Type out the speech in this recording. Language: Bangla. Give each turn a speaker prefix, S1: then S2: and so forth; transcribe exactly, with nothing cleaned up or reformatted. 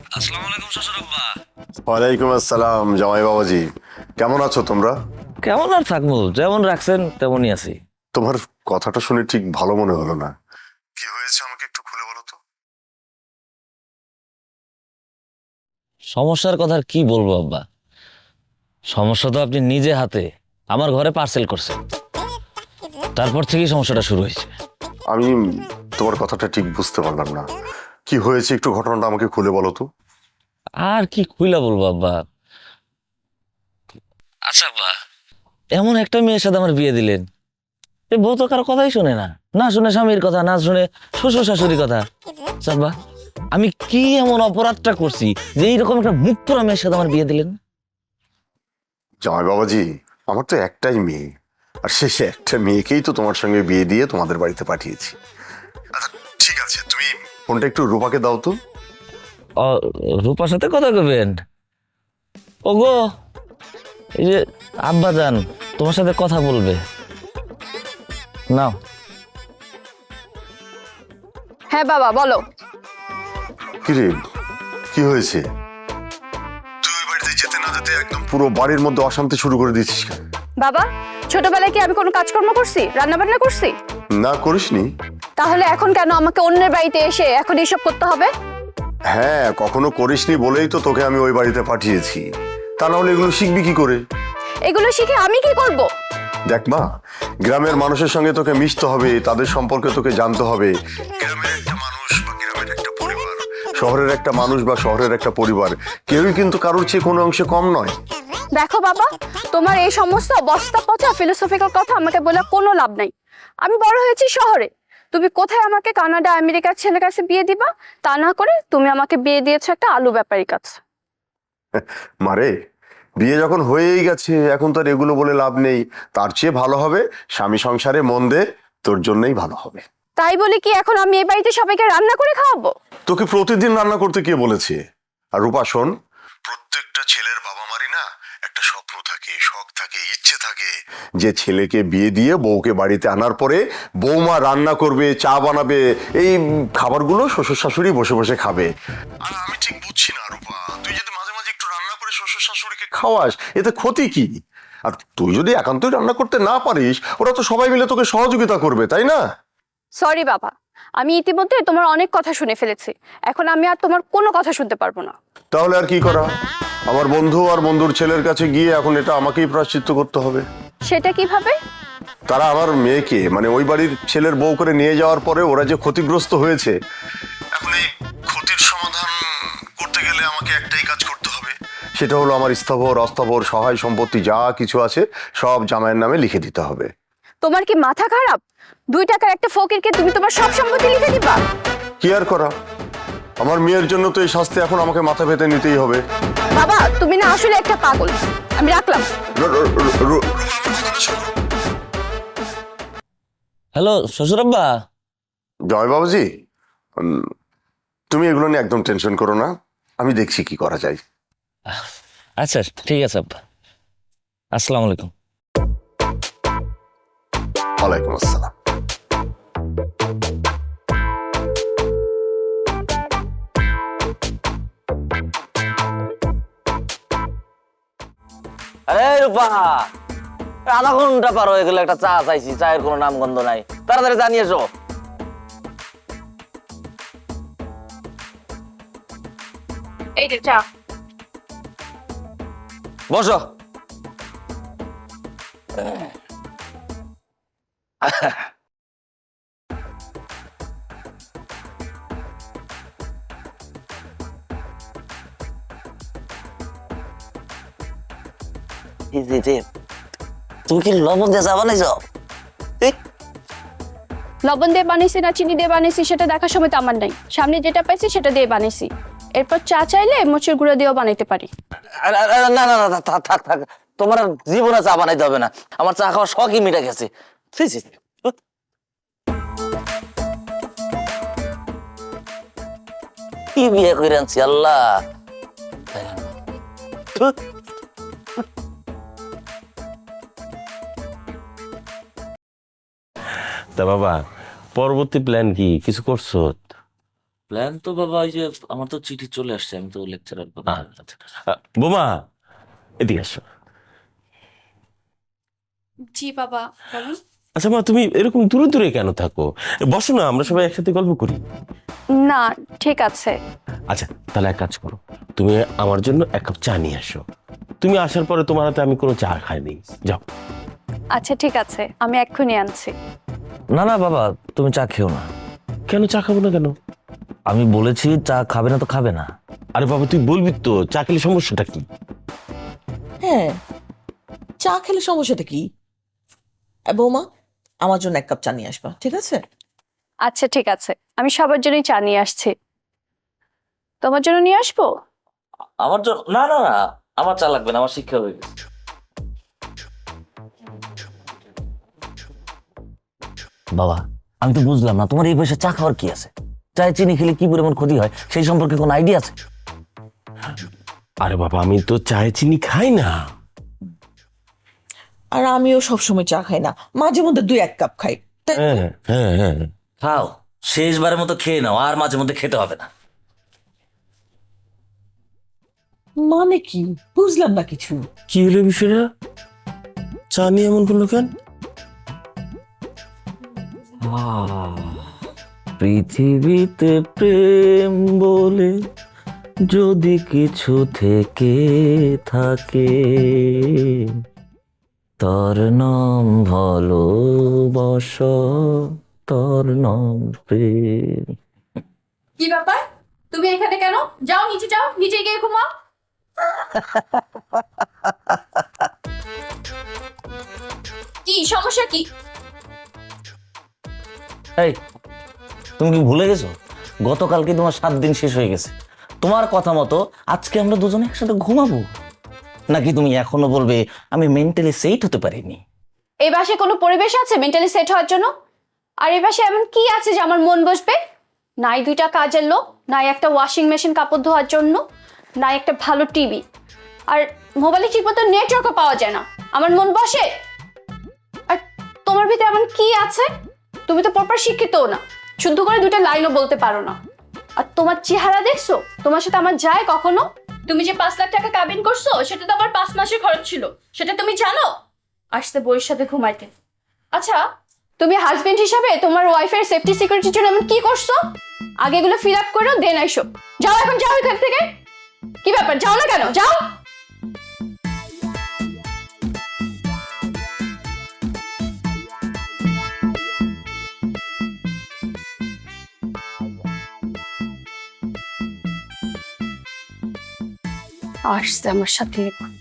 S1: আসসালামু আলাইকুম শ্বশুর আব্বা।
S2: ওয়ালাইকুম আসসালাম জামাই বাবাজি, কেমন আছো তোমরা?
S1: কেমন আর থাকবো, যেমন রাখছেন তেমনই আছি।
S2: তোমার কথাটা শুনে ঠিক ভালো মনে হলো না। কি হয়েছে আমাকে একটু খুলে বলো তো।
S1: সমস্যার কথা আর কি বলবো আব্বা, সমস্যা তো আপনি নিজে হাতে আমার ঘরে পার্সেল করছেন, তারপর থেকেই সমস্যাটা শুরু হয়েছে।
S2: আমি তোমার কথাটা ঠিক বুঝতে পারলাম না, কি হয়েছে একটু ঘটনাটা আমাকে খুলে বলো তো।
S1: আর কি খুইলা বলবো আব্বা। আচ্ছা আব্বা, এমন একটা মেয়ের সাথে আমার বিয়ে দিলেন, এ বউ তো কারো কথাই শুনে না, না শুনে স্বামীর কথা, না শুনে শ্বশুর শাশুড়ির কথা। আচ্ছা আব্বা, আমি কি এমন অপরাধটা করছি যে এইরকম একটা মুখ পোড়া মেয়ের সাথে আমার বিয়ে দিলেন?
S2: জামাই বাবাজি, আমার তো একটাই মেয়ে, আর শেষে একটা মেয়েকেই তো তোমার সঙ্গে বিয়ে দিয়ে তোমাদের বাড়িতে পাঠিয়েছি। আচ্ছা ঠিক আছে, তুমি ফোনটা একটু রূপাকে দাও তো।
S1: ও, রূপার সাথে কথা কবেন? ওগো, এই যে আব্বা যান তোমার সাথে কথা বলবে, নাও।
S3: হ্যাঁ বাবা বলো।
S2: কি রে, কি হয়েছে? তুই ওই বাড়িতে যেতে না যেতে একদম পুরো বাড়ির মধ্যে অশান্তি শুরু করে দিয়েছিস কেন?
S3: বাবা, ছোটবেলায় কি আমি কোনো কাজকর্ম করছি, রান্না বান্না করছি?
S2: না করিসনি।
S3: তাহলে এখন কেন আমাকে অন্যের বাড়িতে এসে এখন এইসব করতে হবে?
S2: হ্যাঁ, কখনো করিসনি বলেই তো তোকে আমি ওই বাড়িতে পাঠিয়েছি, তা না হলে এগুলো শিখবি কি করে?
S3: এগুলো শিখে আমি কি করব?
S2: দেখ মা, গ্রামের মানুষের সঙ্গে তোকে মিশতে হবে, তাদের সম্পর্কে তোকে জানতে হবে। গ্রামের একটা মানুষ বা গ্রামের একটা পরিবার, শহরের একটা মানুষ বা শহরের একটা পরিবার, কেউই কিন্তু কারোর চেয়ে কোনো অংশে কম নয়।
S3: দেখো বাবা, তোমার এই সমস্ত বস্তা পচা ফিলোসফিক্যাল কথা আমাকে বলে কোনো লাভ নাই। আমি বড় হয়েছি শহরে, তুমি কোথায় আমাকে কানাডা আমেরিকার ছেলের কাছে বিয়ে দিবা? তা না করে তুমি আমাকে বিয়ে দিয়েছো একটা আলু ব্যাপারীর কাছে।
S2: মারে, বিয়ে যখন হয়েই গেছে এখন তো আর এগুলো বলে লাভ নেই। তার চেয়ে ভালো হবে স্বামী সংসারে মন দে, তোর জন্যই ভালো হবে।
S3: তাই বলে কি এখন আমি এই বাড়িতে সবাইকে রান্না করে খাওয়াবো?
S2: তোকে প্রতিদিন রান্না করতে কে বলেছে? আর রূপা শোন, প্রত্যেকটা ছেলের বাবা মারই না একটা স্বপ্ন থাকে, শখ থাকে, ইচ্ছে থাকে, যে ছেলেকে বিয়ে দিয়ে বউকে বাড়িতে আনার পরে বৌমা রান্না করবে, চা বানাবে, এই খাবারগুলো শ্বশুর শাশুড়ি বসে বসে খাবে। আর আমি ঠিক বুঝছি না রূপা, তুই যদি মাঝে মাঝে একটু রান্না করে শ্বশুর শাশুড়িকে খাওয়াস, এতে ক্ষতি কি? আর তুই যদি একান্তই রান্না করতে না পারিস, ওরা তো সবাই মিলে তোকে সহযোগিতা করবে, তাই না?
S3: সরি বাবা, আমি ইতিমধ্যে তোমার অনেক কথা শুনে ফেলেছি, এখন আমি আর তোমার কোনো কথা শুনতে পারবো না।
S2: তাহলে আর কি করা? আমার বন্ধু আর বন্ধুর ছেলের কাছে গিয়ে এখন এটা আমাকেই প্রায়শ্চিত্ত করতে হবে।
S3: সেটা কিভাবে?
S2: তারা আমার মেয়েকে মানে ওই বাড়ির ছেলের বউ করে নিয়ে যাওয়ার পরে ওরা যে ক্ষতিগ্রস্ত হয়েছে, এখন এই ক্ষতির সমাধান করতে গেলে আমাকে একটাই কাজ করতে হবে, সেটা হলো আমার স্থাবর অস্থাবর সহায় সম্পত্তি যা কিছু আছে সব জামাইয়ের নামে লিখে দিতে হবে।
S3: তোমার কি মাথা খারাপ? দুই টাকার একটা ফকিরকে তুমি তোমার সব সম্পত্তি লিখে দিবা?
S2: কি আর করা, আমার মেয়ের জন্য তো এই শাস্তি এখন আমাকে মাথা পেতে নিতেই হবে।
S3: বাবা, তুমি না আসলে একটা পাগল। আমি রাখলাম।
S2: র- র- র- র-
S1: হ্যালো শ্বশুর আব্বা।
S2: জয় বাবুজি, উম, তুমি এগুলো নিয়ে একদম টেনশন করো না, আমি দেখছি কি করা যায়।
S1: আচ্ছা ঠিক আছে আব্বা, আসসালামু আলাইকুম।
S2: ওয়ালাইকুম আসসালাম।
S1: আরে রূপা, আধা ঘন্টা পার হয়ে গেল, একটা চা চাইছি, চায়ের কোনো নাম গন্ধ নাই, তাড়াতাড়ি জানিয়ে এসো।
S3: এই যে চা।
S1: বসো। তুমি কি লবণ দিয়ে চা বানাইছ?
S3: লবণ দিয়ে বানিয়েছি না চিনি দিয়ে বানিয়েছি সেটা দেখার সময় তো আমার নাই, সামনে যেটা পাইছি সেটা দিয়ে বানিয়েছি। এরপর চা চাইলে মরিচের গুঁড়ো দিয়েও বানাইতে পারি।
S1: আরে, আরে, আরে, না না না না, থাক থাক থাক, তোমার আর জীবনে চা বানাইতে হবে না, আমার চা খাওয়ার শখই মিটে গেছে। ছি, ছি, ছি। কি বিয়ে করে আনছি আল্লাহ। ধুর।
S4: তা বাবা, পরবর্তী প্ল্যান কি, কিছু করছো?
S1: প্ল্যান তো বাবা ওই যে আমার তো চিঠি চলে আসছে, আমি তো লেকচারার
S4: আচ্ছা। আহ, বোমা এদিকে আসো।
S3: জি বাবা বলুন।
S4: আচ্ছা মা, তুমি এরকম দূরে দূরে কেন থাকো? বসো না, আমরা সবাই একসাথে গল্প করি।
S3: না ঠিক আছে।
S4: আচ্ছা তাহলে এক কাজ করো, তুমি আমার জন্য এক কাপ চা নিয়ে আসো। তুমি আসার পরে তোমার হাতে আমি কোনো চা খাইনি, যাও।
S3: আচ্ছা ঠিক আছে, আমি এক্ষুনি আনছি।
S1: না না বাবা, তুমি চা খেও না।
S4: কেন চা খাবো না কেন?
S1: আমি বলেছি চা খাবে না তো খাবে না।
S4: আরে বাবা তুই বলবি তো, চা খেলে সমস্যাটা কি?
S5: হ্যাঁ, চা খেলে সমস্যাটা কি? এ, বৌমা আমার জন্য এক কাপ চা নিয়ে আসবা, ঠিক আছে?
S3: আচ্ছা ঠিক আছে, আমি সবার জন্যই চা নিয়ে আসছি। তোমার জন্য নিয়ে আসবো?
S1: আমার জন্য না না না, আমার চা লাগবে না, আমার শিক্ষা হয়ে গেছে। বাবা আমি তো বুঝলাম না, তোমার এই বয়সে চা খাওয়ার কি আছে? চায়ে চিনি খেলে কি পরিমাণ ক্ষতি হয় সেই সম্পর্কে কোনো আইডিয়া আছে?
S4: আরে বাবা আমি তো চায়ে চিনি খাই না।
S5: আর আমিও সবসময় চা খাই না, মাঝে মধ্যে দুই এক কাপ খাই। তাই
S4: হ্যাঁ হ্যাঁ হ্যাঁ।
S1: খাও, শেষবারের মতো খেয়ে নাও, আর মাঝে মধ্যে খেতে হবে না।
S5: মানে কি বুঝলাম না কিছু।
S4: কি হলো বিষয়টা? চা নিয়ে এমন করলো কেন?
S1: পৃথিবীতে প্রেম বলে যদি কিছু থেকে থাকে, তার নাম ভালোবাসা, তার নাম প্রেম।
S3: কি ব্যাপার, তুমি এখানে কেন? যাও নিচে যাও, নিচে গিয়ে ঘুমাও। কি সমস্যা কি?
S1: এই তুমি কি ভুলে গেছো গতকালকে তোমার সাত দিন শেষ হয়ে গেছে? তোমার কথা মতো আজকে আমরা দুজনে একসাথে ঘুমাবো, নাকি তুমি এখনো বলবে আমি মেন্টালি সেট হতে পারিনি?
S3: এই বাসায় কোনো পরিবেশ আছে মেন্টালি সেট হওয়ার জন্য? আর এই বাসায় এমন কি আছে যে আমার মন বসবে? নাই দুইটা কাজের লোক, নাই একটা ওয়াশিং মেশিন কাপড় ধোয়ার জন্য, নাই একটা ভালো টিভি, আর মোবাইলে ঠিক মতো নেটওয়ার্কও পাওয়া যায় না। আমার মন বসে? আর তোমার ভিতরে এমন কি আছে? তুমি তো প্রপার শিক্ষিতও না, শুদ্ধ করে দুইটা লাইনও বলতে পারো না। আর তোমার চেহারা দেখছো, তোমার সাথে আমার যায় কখনো? তুমি যে পাঁচ লাখ টাকা কাবিন করছো সেটা তো আমার পাঁচ মাসের খরচ ছিল, সেটা তুমি জানো? আসতে বইয়ের সাথে ঘুমাইতে। আচ্ছা তুমি হাজবেন্ড হিসাবে তোমার ওয়াইফের সেফটি সিকিউরিটির জন্য এমন কি করছো? আগে এগুলো ফিল আপ করো, দেন আইসো। যাও এখন, যাও এখান থেকে। কি ব্যাপার, যাও না কেন? যাও। আসছে আমার সাথে।